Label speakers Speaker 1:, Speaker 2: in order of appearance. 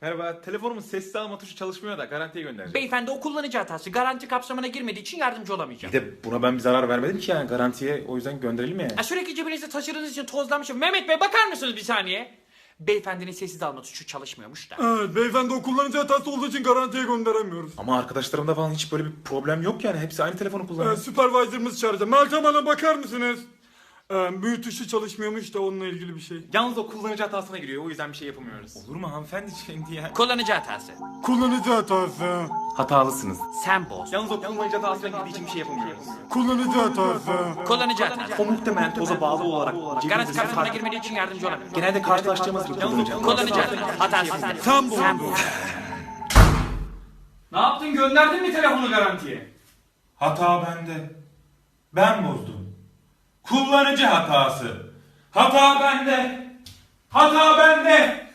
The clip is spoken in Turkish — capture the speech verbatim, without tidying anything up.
Speaker 1: Merhaba, telefonumun sessiz alma tuşu çalışmıyor da garantiye göndereceğim.
Speaker 2: Beyefendi o kullanıcı hatası garanti kapsamına girmediği için yardımcı olamayacağım.
Speaker 1: Bir de buna ben bir zarar vermedim ki yani garantiye, o yüzden gönderelim ya.
Speaker 2: Ha, sürekli cebinizde taşıdığınız için tozlanmışım. Mehmet Bey bakar mısınız bir saniye? Beyefendinin sessiz alma tuşu çalışmıyormuş da.
Speaker 3: Evet, beyefendi o kullanıcı hatası olduğu için garantiye gönderemiyoruz.
Speaker 1: Ama arkadaşlarımda falan hiç böyle bir problem yok yani. Hepsi aynı telefonu kullanıyor.
Speaker 3: Ee, supervisor'ımız çağıracağım. Meltem Hanım bakar mısınız? Ee, büyü tuşu çalışmıyormuş da onunla ilgili bir şey.
Speaker 1: Yalnız o kullanıcı hatasına giriyor, o yüzden bir şey yapamıyoruz. Olur mu hanımefendi şimdi ya?
Speaker 2: Kullanıcı hatası.
Speaker 3: Kullanıcı hatası.
Speaker 1: Hatalısınız.
Speaker 2: Sen boz.
Speaker 1: Yalnız o kullanıcı hatasına girdiği için bir şey yapamıyoruz.
Speaker 3: Kullanıcı hatası.
Speaker 2: Kullanıcı hatası.
Speaker 1: O muhtemelen toza bağlı olarak
Speaker 2: Garanti
Speaker 1: cebinizdeki
Speaker 2: kapsamına
Speaker 1: kart...
Speaker 2: girmediği için yardımcı olamıyorum.
Speaker 1: Genelde karşılaştığımız bir kullanıcı.
Speaker 2: Kullanıcı hatası.
Speaker 3: Sen boz.
Speaker 2: Sen boz.
Speaker 4: Ne yaptın, gönderdin mi telefonu garantiye?
Speaker 5: Hata bende. Ben bozdum. Kullanıcı hatası. Hata bende. Hata bende.